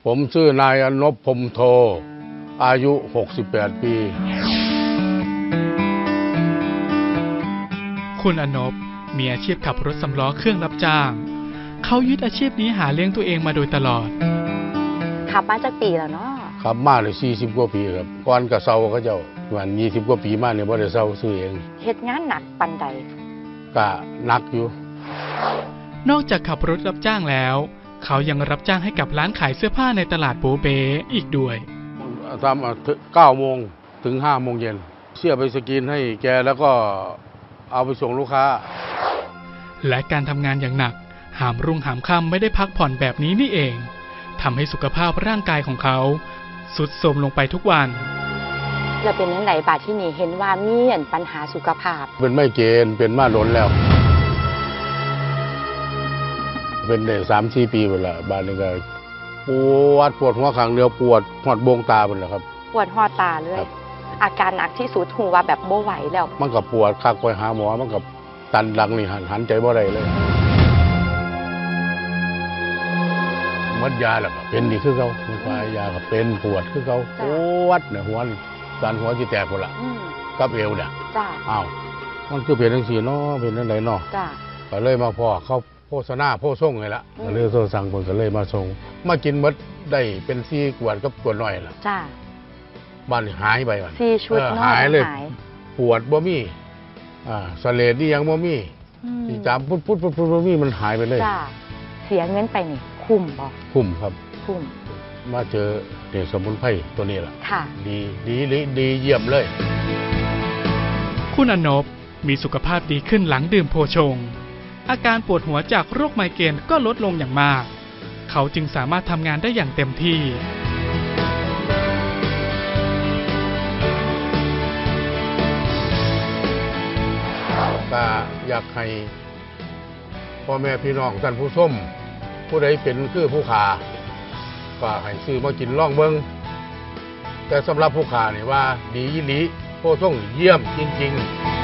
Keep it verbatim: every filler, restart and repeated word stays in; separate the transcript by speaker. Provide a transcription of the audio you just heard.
Speaker 1: ผมชื่อนายอนพพรหมโทอายุหกสิบแปดปี
Speaker 2: คุณอนพมีอาชีพขับรถสำล้อเครื่องรับจ้างเขายึดอาชีพนี้หาเลี้ยงตัวเองมาโดยตลอด
Speaker 3: ขับมาจากปีแล้วเนาะ
Speaker 1: ขับมาเลยสี่สิบกว่าปีครับก่อนกับเซาเขาเจ้าวันยี่สิบกว่าปีมาเนี่ยบ่ได้เซาซื้อเอง
Speaker 3: เฮ็ดงานหนักปันใด
Speaker 1: ก็หนักอยู่
Speaker 2: นอกจากขับรถรับจ้างแล้วเขายังรับจ้างให้กับร้านขายเสื้อผ้าในตลาดโบเบอีกด้วย
Speaker 1: ทำเก้าโมงถึงห้าโมงเย็นเชื่อไปสกรีนให้แกแล้วก็เอาไปส่งลูกค้า
Speaker 2: และการทำงานอย่างหนักหามรุ่งหามค่ำไม่ได้พักผ่อนแบบนี้นี่เองทำให้สุขภาพร่างกายของเขาทรุดโทรมลงไปทุกวัน
Speaker 3: แล้วเป็นยังไงบาดที่นี่เห็นว่ามีปัญหาสุขภาพ
Speaker 1: เป็นไม่เกณฑ์เป็นมาล้นแล้วเป็นได้สามสี่ปีหมดละบ้านนี้ก็ปวดปวดหัวข้างเดียวปวดหอดบวงตาหมดแล้วครับ
Speaker 3: ปวดหอดตาเลยอาการหนักที่สุดหูว่าแบบโบไหวแล้ว
Speaker 1: มันก็ปวดคักไปหาหมอมันก็ตันหลังนี่หันหันใจบ่ได้เลยมัดยาแล้วก็เป็นนี่คือเขามันพายาก็เป็นปวดคือเขาปวดเนี่ยหัวตันหัวที่แตกหมดละกับเอวเนี่ยอ้าวมันคือเป็นทั้งสี่เนาะเป็นทั้งไหนเนาะก็เลยมาพ่อเขาโฆษณาโพส่งเลยละก็เลยโทรสั่งคนก็เลยมาส่งมากินมดได้เป็นซี่กวดกับกวดหน่อยล่ะ
Speaker 3: จ้า
Speaker 1: บ้านหายไปวัน
Speaker 3: ซี่ชุด
Speaker 1: หายเลยปวดบ่มีอ่าสเลดนี่ยังบ่มีที่จามพุดพุดพุดพุดบ่มีมันหายไปเลย
Speaker 3: จ้าเสียเงินไปนี่คุ้มบ่
Speaker 1: คุ้มครับ
Speaker 3: คุ้ม
Speaker 1: มาเจอเด็กสมุนไพรตัวนี้ล่ะ
Speaker 3: ค่ะ
Speaker 1: ดีดีดีเยี่ยมเลย
Speaker 2: คุณอนพมีสุขภาพดีขึ้นหลังดื่มโพชงอาการปวดหัวจากโรคไมเกรนก็ลดลงอย่างมากเขาจึงสามารถทำงานได้อย่างเต็มที่
Speaker 1: ก็อยากให้พ่อแม่พี่น้องท่านผู้ชมผู้ใดเป็นคือผู้ขาก็ให้ซื้อมากินล่องเบิ้งแต่สำหรับผู้ขาเนี่ยว่าดียี่หลีโพส่งเยี่ยมจริงๆ